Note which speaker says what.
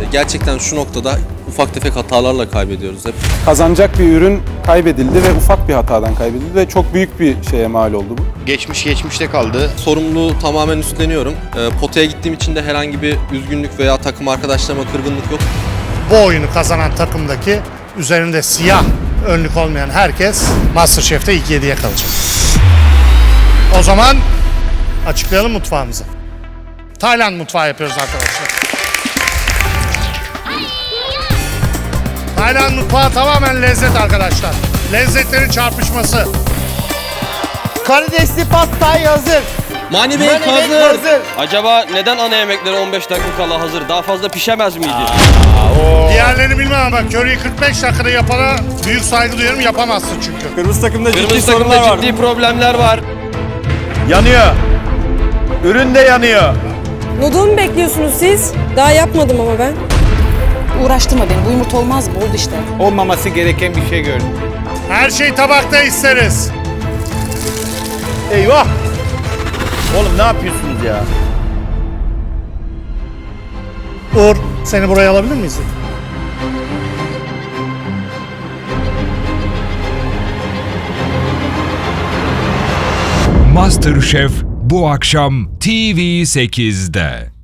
Speaker 1: Gerçekten şu noktada ufak tefek hatalarla kaybediyoruz hep.
Speaker 2: Kazanacak bir ürün kaybedildi ve ufak bir hatadan kaybedildi ve çok büyük bir şeye mal oldu bu.
Speaker 3: Geçmişte kaldı.
Speaker 1: Sorumluluğu tamamen üstleniyorum. Potaya gittiğim için de herhangi bir üzgünlük veya takım arkadaşlarıma kırgınlık yok.
Speaker 4: Bu oyunu kazanan takımdaki üzerinde siyah önlük olmayan herkes MasterChef'te ilk 7'ye kalacak. O zaman açıklayalım mutfağımızı. Tayland mutfağı yapıyoruz arkadaşlar. Tayland mutfağı tamamen lezzet arkadaşlar. Lezzetlerin çarpışması.
Speaker 5: Karidesli pad thai hazır.
Speaker 6: Mani Bey hazır. Acaba neden ana yemekleri 15 dakika kala hazır? Daha fazla pişemez miydi?
Speaker 4: Diğerlerini bilmem ama köriyi 45 dakikada yapana büyük saygı duyuyorum, yapamazsın çünkü.
Speaker 2: Kırmızı takımda
Speaker 6: Kırmızı takımda ciddi problemler var.
Speaker 5: Yanıyor. Ürün de yanıyor.
Speaker 7: Noodle mu bekliyorsunuz siz? Daha yapmadım ama ben.
Speaker 8: Uğraştırma beni. Bu yumurta olmaz, bol işte.
Speaker 5: Olmaması gereken bir şey gördüm.
Speaker 4: Her şeyi tabakta isteriz.
Speaker 5: Eyvah! Oğlum ne yapıyorsunuz ya?
Speaker 4: Uğur, seni buraya alabilir miyiz?
Speaker 9: MasterChef bu akşam TV8'de.